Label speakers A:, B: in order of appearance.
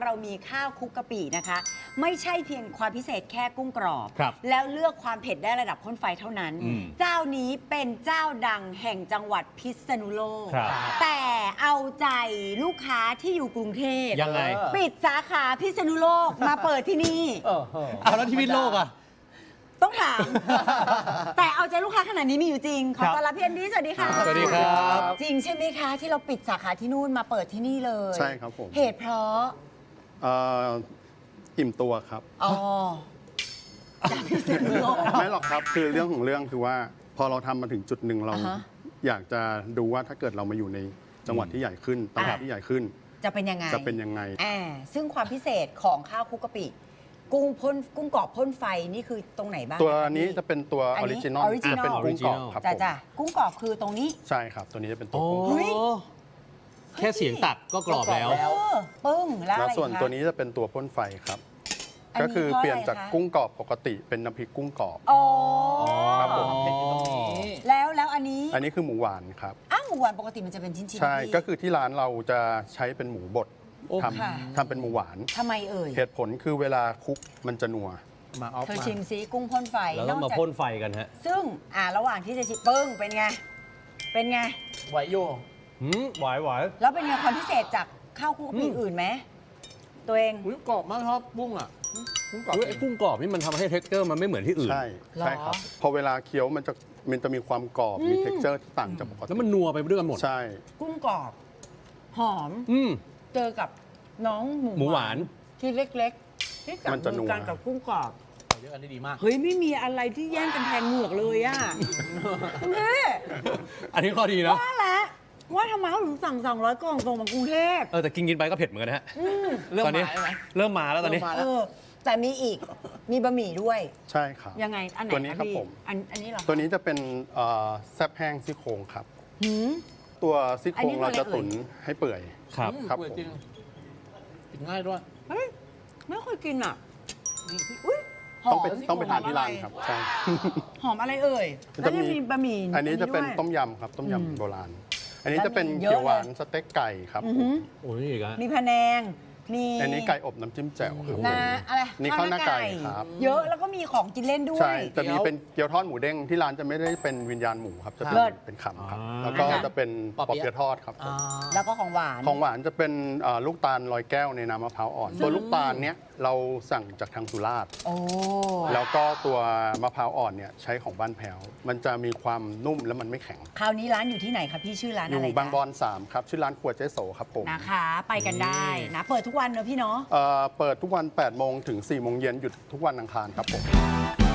A: เรามีข้าวคลุกกะปินะคะไม่ใช่เพียงความพิเศษแค่กุ้งกรอบ
B: ครับ
A: แล้วเลือกความเผ็ดได้ระดับข้นไฟเท่านั้น เจ้านี้เป็นเจ้าดังแห่งจังหวัดพิษณุโลก
B: ครับ
A: แต่เอาใจลูกค้าที่อยู่กรุงเทพ
B: ยังไง
A: ปิดสาขาพิษณุโลกมาเปิดที่นี่
B: เอาแล้วที่พิษณุโลกอ่ะ
A: ต้องถาม แต่เอาใจลูกค้าขนาดนี้มีอยู่จริง ขอต้อนรับพี่แอนดี้สวัสดีค่ะ
B: สวัสดีครับ
A: จริงใช่ไหมคะ ที่เราปิดสาขาที่นู่นมาเปิดที่นี่เลย
C: ใช่ครับผม
A: เหตุเพราะ
C: อิ่มตัวครับ
A: อ๋อจากพิษณุโลก
C: ไม่หรอกครับคือเรื่องของเรื่องคือว่าพอเราทำมาถึงจุดหนึ่งเรา
A: อ่าฮะ
C: อยากจะดูว่าถ้าเกิดเรามาอยู่ในจังหวัดที่ใหญ่ขึ้นตลาดที่ใหญ่ขึ้น
A: จะเป็นยังไง
C: จะเป็นยังไง
A: ซึ่งความพิเศษของข้าวคลุกกะปิ กุ้งกรอบพ่นไฟนี่คือตรงไหนบ้าง
C: ตัว
A: คะ
C: นี้
A: พี่
C: จะเป็นตัวอ
A: อั
C: อน
A: นี้
C: ริจินอล
A: original
C: เป็นกุ้งกรอบครับผม
A: จ้ะกุ้งกรอบคือตรงนี้
C: ใช่ครับ ตัวนี้จะเป็นตัว
B: โอ้
C: กุ้งกรอบ
A: เฮ้ย
B: แค่เสียงตัดก็กรอบแล้ว
A: ปึ้งแล้ว
C: แล้ว
A: อะไร
C: ส่วน
A: คะ
C: ตัวนี้จะเป็นตัวพ่นไฟครับ
A: อันนี้
C: ก็คือ
A: เพราะ
C: เปลี่ยน
A: อะไร
C: จาก
A: คะ
C: กุ้งกรอบปกติเป็นน้ำพริกกุ้งกรอบ
A: อ๋อ
C: ครับผม
A: แล้วอันนี้
C: อันนี้คือหมูหวานครับ
A: อ้าวหมูหวานปกติมันจะเป็นชิ้นๆ
C: ใช่
A: พี่
C: ก็คือที่ร้านเราจะใช้เป็นหมูบด
B: โอ้
C: ท
A: ค่ะ
C: ำทำเป็นหมูหวาน
A: ทำไมเอ่ย
C: เหตุผลคือเวลาคลุกมันจะนัว
D: มาออฟ
A: เธอ
D: มา
A: ชิมซิกุ้งพ่นไฟ
B: แล้วต้อง
A: น
B: มา
A: อกจาก
B: พ่นไฟกันฮะ
A: ซึ่งระหว่างที่จะชิมปึ้งเป็นไง เป็นไง
D: ไหวโย
B: หวายหวาย
A: แล้วเป็นไงความพิเศษจากข้าวคลุกกะปิอื่นไหมตัวเอง
D: อุ้ยกรอบมากครับบุ้งอ่ะบุ้งกรอบ
B: ไอ้กุ้งกรอบนี่มันทำให้เท็กเจอร์มันไม่เหมือนที่อื่น
C: ใช่
A: หรอ
C: ใช่ครับ พอเวลาเคี้ยวมันจะมีความกรอบ มี texture ที่ต่างจากปกติ
B: แล้วมันนัวไปด้วยกันหมด
C: ใช่
A: กุ้งกรอบ หอม
B: อืม
A: เจอกับน้อง
B: หมูหวาน
A: ที่เล็กๆ ที่จับ
C: มันจะ
A: มือกัน
C: นัว
A: กับกุ้งกรอบ
D: เยอะกันได้ดีมาก
A: เฮ้ย ไม่มีอะไรที่แย่งกันแทนเหงือกเลยอ่ะคุณพี่
B: อันนี้ข้อดีนะ
A: ว่าแล้วว่าทำไมเขาถึงสั่ง200 กล่องส่งมากรุงเทพ
B: แต่กินไปก็เผ็ดเหมือนกันนะฮะ
D: เริ่ม
B: ตอนนี้
D: มาใช่ไหม
B: เริ่มมาแล้วตอนนี้
D: เริ่มมา
A: เออ แต่มีอีก มีบะหมี่ด้วย
C: ใช่ครับ
A: ยังไง อันไหน
C: ตัวนี้ครับ
A: พี่
C: ผม
A: อันนี้เหรอ
C: ตัวนี้จะเป็นแซ่บแห้งซี่โครงครับ
A: หืม
C: ตัวซี่โค
A: อัน
C: ร
A: นี้
C: ง
A: ตัว
C: เรา
A: เล็ก
C: จะตุ๋นให้เปื่อย
B: ครับ
C: ครับ
D: เปิด
C: ผม
D: จริงกินง่ายด้วย
A: เฮ้ย ไม่เคยกินอ่ะ
D: นี่
A: อุ้ยหอ
C: ต้อง
A: ม
C: ต้องไปทานที่ร้านครับ ใช่
A: หอมอะไรเอ่ย
C: มัน
A: แล้ว
C: จะ
A: จะ
C: มี
A: มีบะหมี่
C: อันนี้จะเป็น
A: ด้วย
C: ต้มยำครับ ต้มยำโบราณ อันนี้จะเป็น
A: บะหมี่เยอะ
C: เขียวหวาน
A: เลย
C: สเต็กไก่ครับ
A: อือ
C: ผ
A: หื
C: ม
A: อ
B: โอ้ยอีกอะ
A: มีพะแนง มี
C: อันนี้ไก่อบน้ำจิ้มแจ่วครับ
A: นะอะไร
C: นี่ข้าวหน้าไก่ครับ
A: เยอะแล้วก็มีของกินเล่นด้ว
C: ใช่
A: ย
C: จะมีเป็นเกี๊ยวทอดหมูเด้งที่ร้านจะไม่ได้เป็นวิญญาณหมูครับ จะเป็น
A: เลิศ
C: เป็นขำครับ
B: อ่า
C: แล้วก็จะเป็นปอเปี๊ยะทอดครับผม
A: แล้วก็ของหวาน
C: ของหวานจะเป็นลูกตาลลอยแก้วในน้ำมะพร้าวอ่อน ตัวลูกตาลเนี้ยเราสั่งจากทางสุราษฎร์
A: โอ้
C: แล้วก็ตัวมะพร้าวอ่อนเนี่ยใช้ของบ้านแพ้ว มันจะมีความนุ่มและมันไม่แข็ง
A: คราวนี้ร้านอยู่ที่ไหนคะพี่ชื่อร้าน
C: อ
A: อะไร
C: ยู่
A: คะ
C: บางบอน3ครับ ชื่อร้านครัวเจ๊โสครับผม
A: นะคะ ไปกันได้นะ เปิดทุกวันเนอะพี่เนาะ
C: เปิดทุกวัน8โมงถึง4โมงเย็นหยุดทุกวันอังคารครับผม